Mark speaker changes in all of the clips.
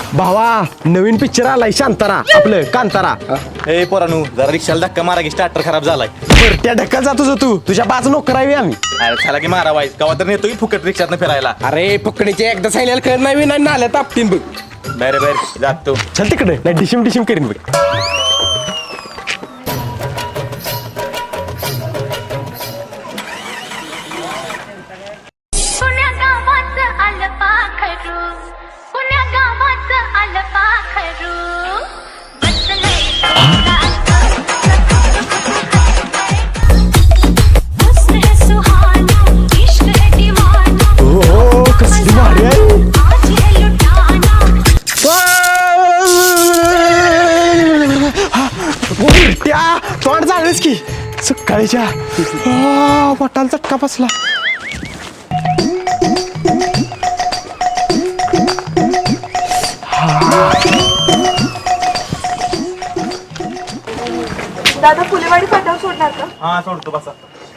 Speaker 1: भावा नवीन पिक्चर आलाय शांतारा आपलं कांतारा.
Speaker 2: ए पोरानू जरा रिक्षाला धक्का मारा की स्टार्टर खराब झालाय.
Speaker 1: बरं त्या ढक्कल जातो तू तुझ्या 5 नोकर आहे आम्ही.
Speaker 2: अरे चला की मारा वाईस गावात तर नेतो की फुकट रिक्षात फिरायला.
Speaker 3: अरे पकडीचे एकदा सांगितलं कळ नाही नाही नाल्या तापतीन बघ.
Speaker 2: बर बर जातो.
Speaker 1: चल तिकडे नाही डिशिम डिशिम करीन बघ. तोंड झालंच की सकाळीच्या पोटाला चटका बसला.
Speaker 4: दादा फुलेवाडी फाट्यावर सोडणार का?
Speaker 2: हा सोडतो बसा.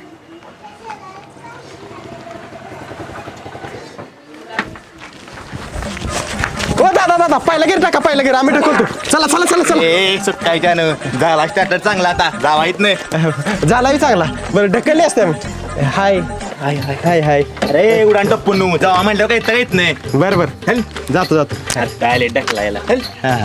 Speaker 1: ओ दादा पहिला गिर टाका पहिला गिर आम्ही ढकलतो. चला चला चला चला.
Speaker 2: ए सुट्टाय त्यानं झाला स्टार्टर चांगला आता जावा येत नाही.
Speaker 1: झालाही चांगला. बरं ढकलली असते आम्ही. हाय हाय हाय हाय हाय.
Speaker 2: अरे उडान टप्पून नू जावा म्हणल्यावर काही तर येत नाही.
Speaker 1: बरं बरं
Speaker 2: हल
Speaker 1: जातो जातो.
Speaker 2: काय ढकलायला हल.
Speaker 1: हा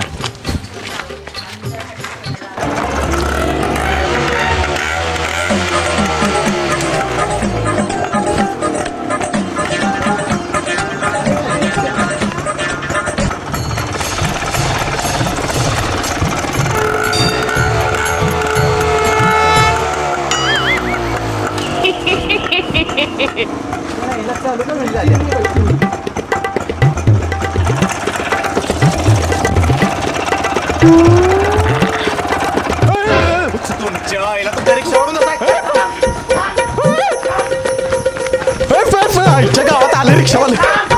Speaker 2: तुमच्या आईला तुमच्या रिक्षावरून
Speaker 1: आमच्या गावात आलं रिक्षावाले.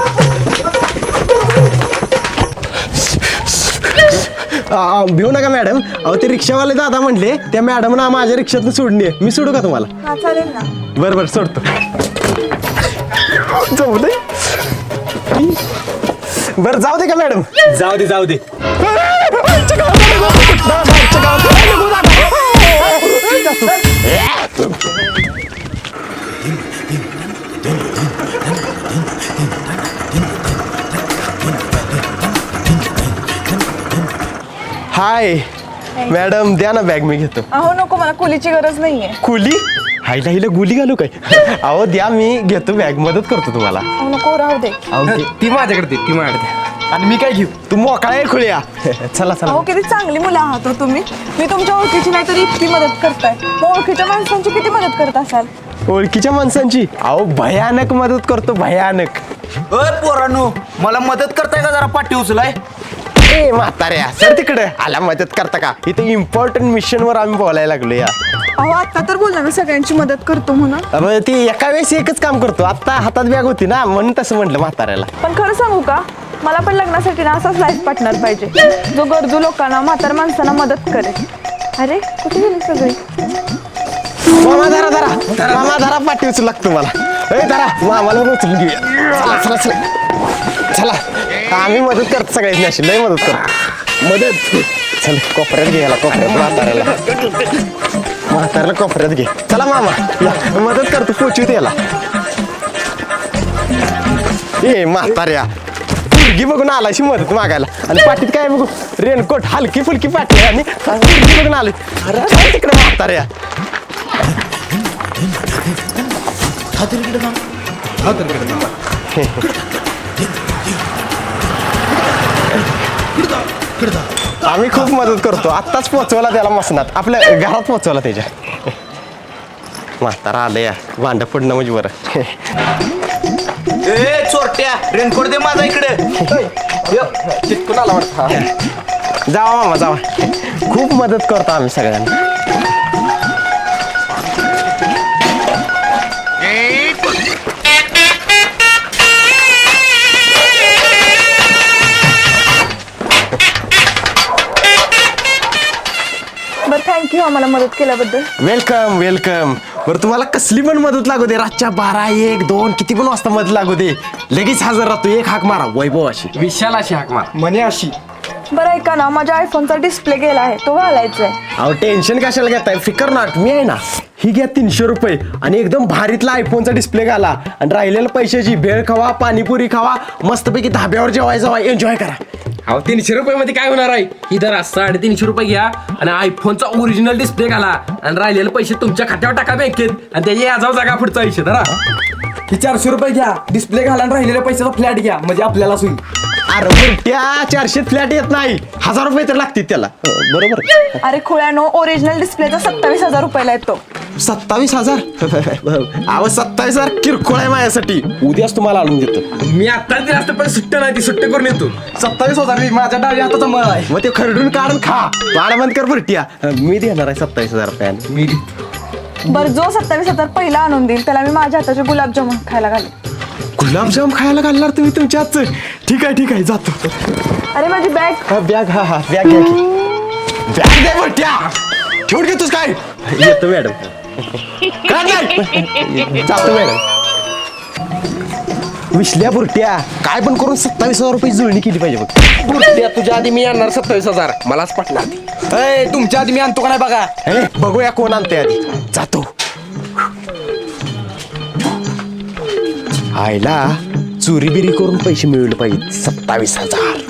Speaker 1: भिऊ नका मॅडम. अहो ते रिक्षावाले दादा म्हणले त्या मॅडमना माझ्या रिक्षातून सोडणे. मी सोडू का तुम्हाला?
Speaker 4: हा चालेल ना.
Speaker 1: बरं बरं सोडतो. जाऊ दे बरं जाऊ दे का मॅडम?
Speaker 2: जाऊ दे जाऊ दे.
Speaker 1: हाय मॅडम द्या ना बॅग मी घेतो.
Speaker 4: अहो नको मला कुलीची गरज नाहीये.
Speaker 1: कुली हायला हिला गुली घालू काय? अहो द्या मी घेतो बॅग मदत करतो तुम्हाला.
Speaker 4: अहो नको राहू दे.
Speaker 3: ती माझ्याकडे दे ती माझ्याकडे.
Speaker 1: आणि मी काय घेऊ? तू मोकळा आहे खुळ्या. चला चला.
Speaker 4: अहो किती चांगली मुलं आहात हो तुम्ही. मी तुमच्या ओळखीची नाही तरी इतकी मदत करताय. मग ओळखीच्या माणसांची किती मदत करत असाल?
Speaker 1: ओळखीच्या माणसांची अहो भयानक मदत करतो भयानक.
Speaker 2: पोरानू मला मदत करताय का जरा पाठी उचलाय.
Speaker 1: ए म्हाताऱ्या सर तिकडे आला मदत करता का? इथे इम्पॉर्टंट मिशन वर आम्ही बोलायला लागलो या.
Speaker 4: अहो आता तर बोलला ना सगळ्यांची मदत करतो म्हणून.
Speaker 1: अरे ती एका वेळेस एकच काम करतो. आता हातात बॅग होती ना म्हणून तसं म्हटलं म्हाताऱ्याला.
Speaker 4: पण खरं सांगू का मला पण लग्नासाठी ना असाच लाईफ पार्टनर पाहिजे जो गरजू लोकांना म्हातार माणसांना मदत करेल. अरे कुठे गेली सगळी?
Speaker 1: मामा धरा पाठी उचलू लागतो मला. ए धरा मामाला पण उचलून घेऊया. चला चला चला चला. आम्ही मदत करतो सगळ्यांनी अशी लय मदत करतो. मदत चल कोपऱ्यात घ्यायला कोपऱ्यात म्हाताऱ्याला कोपऱ्यात घे. चला मामा या मदत करतो पोचू त्याला. ए म्हाताऱ्या मुलगी बघून आलाशी मदत मागायला आणि पाठीत काय बघू रेनकोट हलकी फुलकी पाठी आणि मुलगी बघून आली. अरे तिकडे म्हाताऱ्या. आम्ही खूप मदत करतो. आत्ताच पोचवला त्याला मसनात आपल्या घरात पोचवला त्याच्या. म्हातारा आलं या भांड पडणं म्हणजे बरं.
Speaker 2: ए चोरट्या रेनकोट दे माझा इकडे.
Speaker 1: चिटकून आला वाटतं. जावा मामा जावा. खूप मदत करतो आम्ही सगळ्यांना.
Speaker 4: बरं थँक्यू आम्हाला मदत केल्याबद्दल.
Speaker 1: Welcome welcome. बरं तुम्हाला कसली पण मदत लागू दे, रातच्या 12, 1, 2 किती पण वाजता मदत लागू दे, लगेच हजर राहतो. एक हाक मारा वैभव अशी.
Speaker 3: विशाल अशी हाक मार.
Speaker 1: म्हणे अशी.
Speaker 4: बरं ऐका ना, माझ्या आयफोनचा डिस्प्ले गेला आहे, तो घालायचा आहे.
Speaker 1: अहो टेन्शन कशाला घेताय, फिकर नॉट, मी आहे ना. ही घ्या 300 रुपये आणि एकदम भारीतला आयफोनचा डिस्प्ले घाला आणि राहिलेल्या पैशाची भेळ खावा, पाणीपुरी खावा, मस्तपैकी धाब्यावर जेवायला जावा, एन्जॉय करा.
Speaker 3: अहो 300 रुपये मध्ये काय होणार आहे. इधर 350 रुपये घ्या आणि आयफोनचा ओरिजिनल डिस्प्ले घाला आणि राहिलेले पैसे तुमच्या खात्यावर टाका बँकेत आणि त्याची याजाव जागा पुढचा आयुष्य धरा.
Speaker 5: ही 400 रुपये घ्या, डिस्प्ले घाला आणि राहिलेल्या पैशाचा फ्लॅट घ्या, म्हणजे आपल्यालाच होईल.
Speaker 1: अरे बुरट्या, 400 फ्लॅट येत नाही, 1000 रुपये तर लागतील त्याला. बरोबर.
Speaker 4: अरे खुळ्यानो, ओरिजिनल डिस्प्लेचा 27,000 रुपयाला येतो.
Speaker 1: 27,000. अहो 27,000 किरकोळ आहे माझ्यासाठी, उद्याच तुम्हाला आणून देतो.
Speaker 3: मी आता दिला असतं पण सुट्ट नाही, ती सुट्ट करून येतो.
Speaker 5: 27,000 माझ्या डावी हाताचा मळ आहे.
Speaker 1: मग ते खरडून काढून खा, पाड बंद कर बुरट्या. मी देणार आहे 27,000 रुपयाने.
Speaker 3: मी
Speaker 4: बरं, जो 27,000 पहिला आणून देईल त्याला मी माझ्या हाताचे गुलाबजामुन खायला घालेन.
Speaker 1: गुलाबजाम खायला घालणार तुम्ही तुमच्या हातचं? ठीक आहे जातो.
Speaker 4: अरे माझी बॅग.
Speaker 1: बॅग, हा बॅग घ्या की. बॅग दे बुरट्या, ठेवून घेतोस काय? येतो मॅडम. काय नाही? जातो मॅडम. विसल्या बुरट्या, काय पण करून 27,000 रुपये जुळणी केली पाहिजे बघ.
Speaker 3: बुरट्या, तुझ्या आधी मी आणणार 27,000, मलाच पटणार ती.
Speaker 5: ए, तुमच्या आधी मी आणतो का नाही बघा.
Speaker 1: हे बघूया कोण आणते आधी. जातो. आईला चोरी बिरी करून पैसे मिळवले पाहिजे. 27,000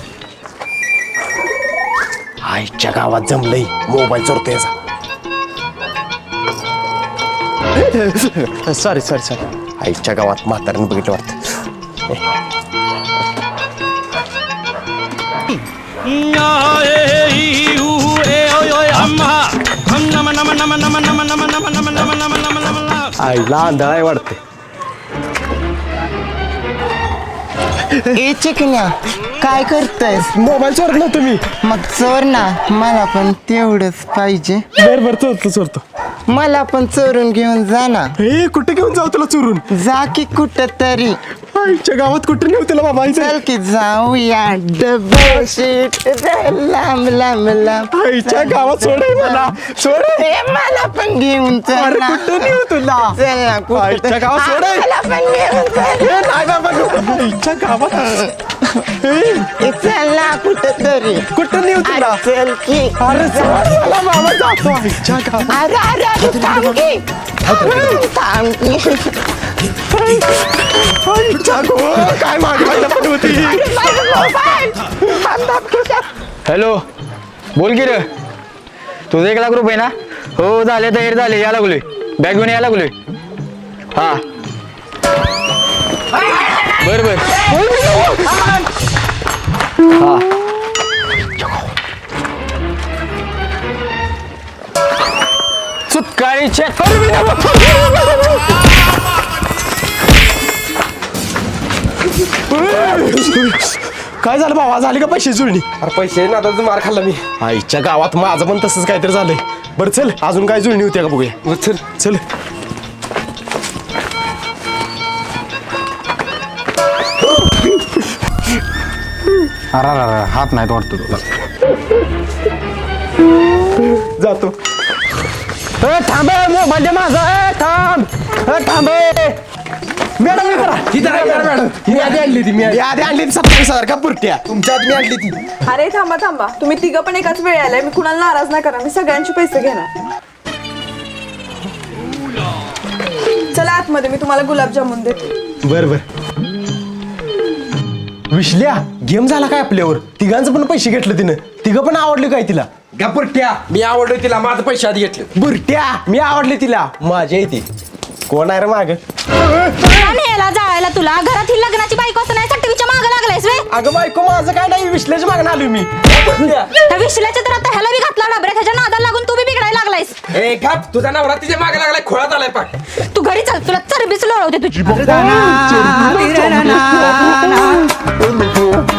Speaker 1: आईच्या गावात जमलंय, मोबाईल चोरतो याचा. सॉरी आईच्या गावात म्हाताऱ्यानं बघितलं वाटतं. आईला आंधळा आहे वाटते.
Speaker 6: ए चिकन्या, काय करतायस?
Speaker 1: मोबाईल चोरला तुम्ही.
Speaker 6: मग चोर ना, मला पण तेवढंच पाहिजे.
Speaker 1: बरं चोरतो.
Speaker 6: मला पण चोरून घेऊन जा ना.
Speaker 1: हे कुठे घेऊन जाऊ तुला चोरून?
Speaker 6: जा की कुठं तरी.
Speaker 1: आईच्या गावात कुठे नेऊ तुला बाबा?
Speaker 6: चल की जाऊया डबल शीट लांब लांब लांब.
Speaker 1: आईच्या गावात सोड मला, सोड.
Speaker 6: ए, मला पण घेऊन चल
Speaker 1: अरे
Speaker 6: ना.
Speaker 1: कुठं नेऊ तुला?
Speaker 6: चल ना कुठं
Speaker 1: आईच्या गावात सोड.
Speaker 6: मला पण घेऊन चल.
Speaker 1: हे नाही बाबा, आईच्या गावात.
Speaker 6: ए, चल ना कुठं तरी.
Speaker 1: कुठं नेऊ तुला?
Speaker 6: चल की.
Speaker 1: अरे सोड मला बाबा, जातो आईच्या गावात.
Speaker 6: अरे थांब की. थांब की.
Speaker 1: आईच्या गावात काय मागवायला पण होती.
Speaker 7: हॅलो, बोल की रे. तुझं 1 लाख रुपये ना? हो झाले, तयार झाले, या लागलोय. बॅग घेऊन या लागलोय. हा बर हा. सुटकाळी चेक
Speaker 1: काय झालं बाबा, झाली का पैसे जुळणी?
Speaker 3: अरे पैसे ना, आता मार खाल्ला मी.
Speaker 1: आईच्या गावात माझं पण तसंच काहीतरी झालंय. बरं चल, अजून काय जुळणी होती का बघूया.
Speaker 3: चल.
Speaker 1: चल.
Speaker 7: अरे हात नाही वाटतो तुला.
Speaker 1: जातो.
Speaker 7: थांब, मोबाईल माझा. थांब.
Speaker 1: मॅडम
Speaker 3: मॅडम, ही आधी आणली ती. मी
Speaker 1: आधी आणली 27,000 का पुरट्या?
Speaker 3: तुमच्या आधी मी आणली ती.
Speaker 4: अरे थांबा, तुम्ही तिघं पण एकाच वेळ आलाय. मी कुणाला नाराज नाही करा, मी सगळ्यांचे पैसे घेणार. चला आतमध्ये, मी तुम्हाला गुलाबजामुन देते.
Speaker 1: बर विश्ल्या, गेम झाला काय आपल्यावर? तिघांचं पण पैसे घेतलं तिनं. तिघं पण आवडले काय तिला?
Speaker 3: गपुरट्या, मी आवडलो तिला, माझं पैसे आधी घेतले.
Speaker 1: बुरट्या, मी आवडले तिला, माझ्या येते. कोण आहे रे माग?
Speaker 8: नेला जायला तुला घरात ही लग्नाची बायको असं नाही टीव्हीच्या मागे लागलायस वे.
Speaker 1: अगं बायको, माझं काय नाही, विश्ल्याच्या मागणं आलोय मी.
Speaker 8: त्या विश्लेच्या तर आता ह्याला बी घातला डबऱ्यात, ह्याच्या नादाला लागून तू बी बिघडायला लागलायस.
Speaker 3: ए घाप, तुझा नवरा तिच्या मागे लागलाय, खोळात आलाय पाक.
Speaker 8: तू घरी चल, तुला चरबीच लोळवते तुझी.